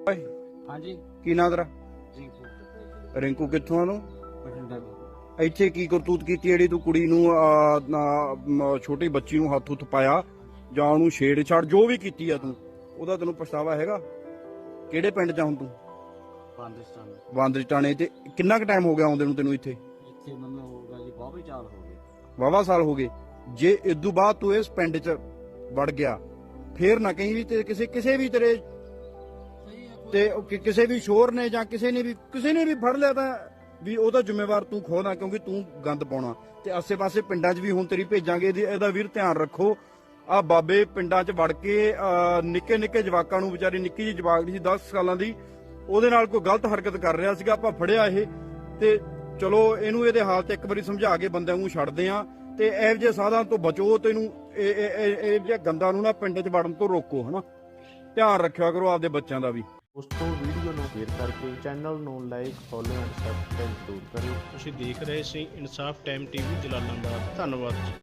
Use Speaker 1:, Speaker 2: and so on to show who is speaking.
Speaker 1: ਓਏ
Speaker 2: हाँ जी
Speaker 1: ਕੀ ਨਾਂ ਤੇਰਾ?
Speaker 2: रिंकू
Speaker 1: ਰਿੰਕੂ ਕਿੱਥੋਂ ਆ ਤੂੰ?
Speaker 2: बठिंडा
Speaker 1: ਇੱਥੇ ਕੀ ਕਰਤੂਤ ਕੀਤੀ ਜਿਹੜੀ ਤੂੰ ਕੁੜੀ ਨੂੰ ਛੋਟੀ ਬੱਚੀ ਨੂੰ ਹੱਥ ਹੁੱਥ ਪਾਇਆ ਜਾਂ ਉਹਨੂੰ ਛੇੜ-ਛਾੜ ਜੋ ਵੀ ਕੀਤੀ ਆ ਤੂੰ, ਉਹਦਾ ਤੈਨੂੰ ਪਛਤਾਵਾ ਹੈਗਾ? ਕਿਹੜੇ ਪਿੰਡ 'ਚ ਆ ਹੁਣ ਤੂੰ?
Speaker 2: पाकिस्तान
Speaker 1: ਬਾਂਦਰ ਟਾਣੇ। ਤੇ ਕਿੰਨਾ ਕੁ ਟਾਈਮ ਹੋ ਗਿਆ ਆਉਂਦੇ ਨੂੰ ਤੈਨੂੰ ਇੱਥੇ?
Speaker 2: इतने मतलब होगा जी बहुत चाल हो गए
Speaker 1: ਵਾਹਵਾ ਸਾਲ ਹੋ ਗਏ। ਜੇ ਇਦੋਂ ਬਾਅਦ ਤੂੰ ਇਸ ਪਿੰਡ 'ਚ ਵੜ ਗਿਆ ਫੇਰ ਨਾ ਕਹੀਂ ਵੀ ਤੇ ਕਿਸੇ ਵੀ ਤੇਰੇ ਤੇ ਕਿਸੇ ਵੀ ਸ਼ੋਰ ਨੇ ਜਾਂ ਕਿਸੇ ਨੇ ਵੀ ਫੜ ਲਿਆ ਤਾਂ ਵੀ ਉਹਦਾ ਜ਼ਿੰਮੇਵਾਰ ਤੂੰ ਖੁਦ ਆ, ਕਿਉਂਕਿ ਤੂੰ ਗੰਦ ਪਾਉਣਾ। ਤੇ ਆਸੇ-ਪਾਸੇ ਪਿੰਡਾਂ 'ਚ ਵੀ ਹੁਣ ਤੇਰੀ ਭੇਜਾਂਗੇ, ਇਹਦਾ ਵੀਰ ਧਿਆਨ ਰੱਖੋ। ਆ ਬਾਬੇ ਪਿੰਡਾਂ 'ਚ ਵੜ ਕੇ ਨਿੱਕੇ ਜਵਾਕਾਂ ਨੂੰ, ਵਿਚਾਰੀ ਨਿੱਕੀ ਜਿਹੀ ਜਵਾਕ ਸੀ 10 ਸਾਲਾਂ ਦੀ, ਉਹਦੇ ਨਾਲ ਕੋਈ ਗਲਤ ਹਰਕਤ ਕਰ ਰਿਹਾ ਸੀਗਾ। ਆਪਾਂ ਫੜਿਆ ਇਹ ਤੇ ਚਲੋ ਇਹਨੂੰ ਇਹਦੇ ਹਾਲ ਤੇ ਇੱਕ ਵਾਰੀ ਸਮਝਾ ਕੇ ਬੰਦਿਆਂ ਨੂੰ ਛੱਡਦੇ ਆ। ਤੇ ਇਹੋ ਜਿਹੇ ਸਾਧਾਂ ਤੋਂ ਬਚੋ, ਤੈਨੂੰ ਇਹ ਜਿਹੇ ਗੰਦਾਂ ਨੂੰ ਨਾ ਪਿੰਡ 'ਚ ਵੜਨ ਤੋਂ ਰੋਕੋ, ਹਨਾ। ਧਿਆਨ ਰੱਖਿਆ ਕਰੋ ਆਪਦੇ ਬੱਚਿਆਂ ਦਾ ਵੀ।
Speaker 3: ਉਸ ਤੋਂ ਵੀਡੀਓ ਨੂੰ ਸ਼ੇਅਰ ਕਰਕੇ ਚੈਨਲ ਨੂੰ ਲਾਈਕ, ਫੋਲੋ ਐਂਡ ਸਬਸਕ੍ਰਾਈਬ ਜ਼ਰੂਰ ਕਰਿਓ।
Speaker 4: ਤੁਸੀਂ ਦੇਖ ਰਹੇ ਸੀ ਇਨਸਾਫ ਟਾਈਮ ਟੀਵੀ ਜਲਾਲਾਬਾਦ। ਧੰਨਵਾਦ।